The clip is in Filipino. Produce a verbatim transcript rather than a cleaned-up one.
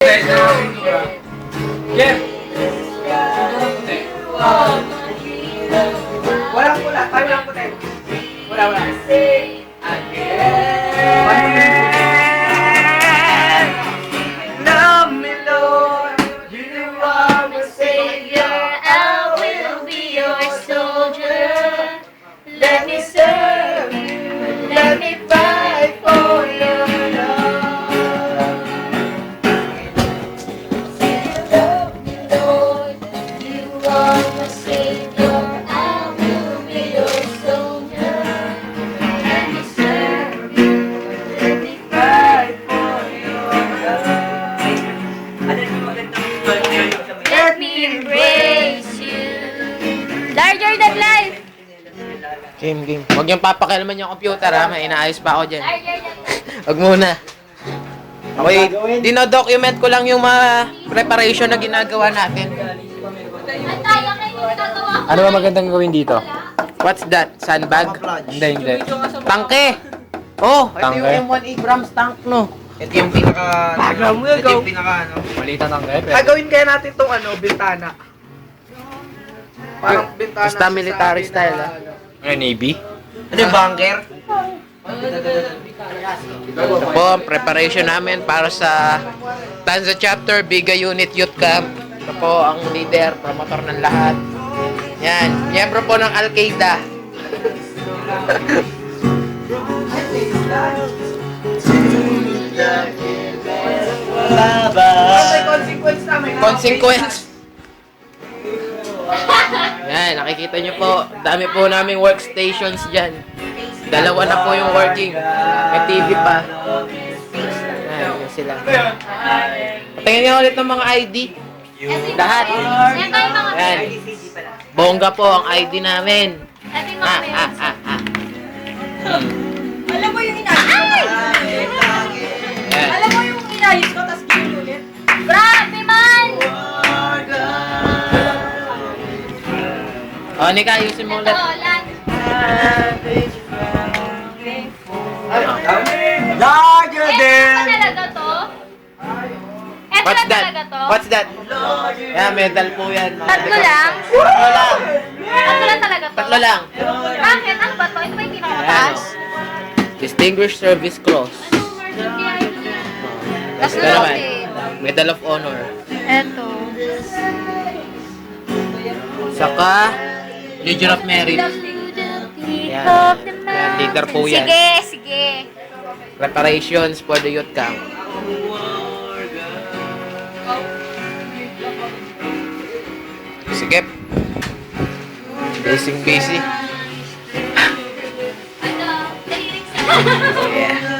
Jeff! Walang pula, tayo lang puti. Wala, wala. Love me, Lord, you are my Savior. I will be your soldier. Let me serve you. Let me fight for your love. Love me, Lord. You are my Savior. I will be your soldier. Let me serve you. Let me fight for your love. Let me embrace you. Larger than life. Game, game. Huwag niyong papakialaman yung computer ha. May inaayos pa ako dyan. Larger than life. Huwag muna. Okay, dinodocument ko lang yung mga preparation na ginagawa natin. At tayo kayo gagawa ko. Ano ba magandang gawin dito? What's that? Sandbag? Hindi, hindi. Tangke! Oh, ito Tangke? yung M one Abrams tank, no? Ito yung pinaka... Alam mo, Ito ikaw. yung pinaka ano. Malitan ng rep. Gagawin kaya natin tong ano, bintana. Parang bintana. Basta sa military amin style, na, ah. ano. Ano, Navy? Ano yung bunker? Ito po, ang preparation namin para sa Tanza Chapter, Biga Unit Youth Camp. Ito po ang leader, promotor ng lahat. Yan, miyembro po ng Al-Qaeda. Ano may consequence namin? Consequence. Yan, nakikita nyo po, dami po naming workstations dyan. Dalawa na po yung working. May T V pa. Yan, yun sila. Tingnan nyo ulit ng mga I D. Lahat. Yan tayo mga Yan. Bongga po ang I D namin. Ito yung mga Ah, ah, parents. ah, ah. Alam mo yung inayos ko? Yan. Alam mo yung inayos ko, tapos ginulit? Grabe man! O, Nika, ayusin mo Ito, ulit. lahat. Larger Eh, ito ba talaga to? Ito What's na that? talaga to? What's that? Yan, medal po yan. mga Tatlo medal. lang? Tatlo lang. Tatlo lang talaga to? Tatlo lang. Bakit? Ano ba to? Ito ba yung pinakamataas? Distinguished Service Cross. Anong margin kaya ito yan? Tapos Ito naman, natin. Medal of Honor. Ito. Saka, Legion of Merit. Yan. Yan, leader po yan. Sige, sige. Preparations for the youth camp. Sige. Busy busy. Ano? Lyrics na.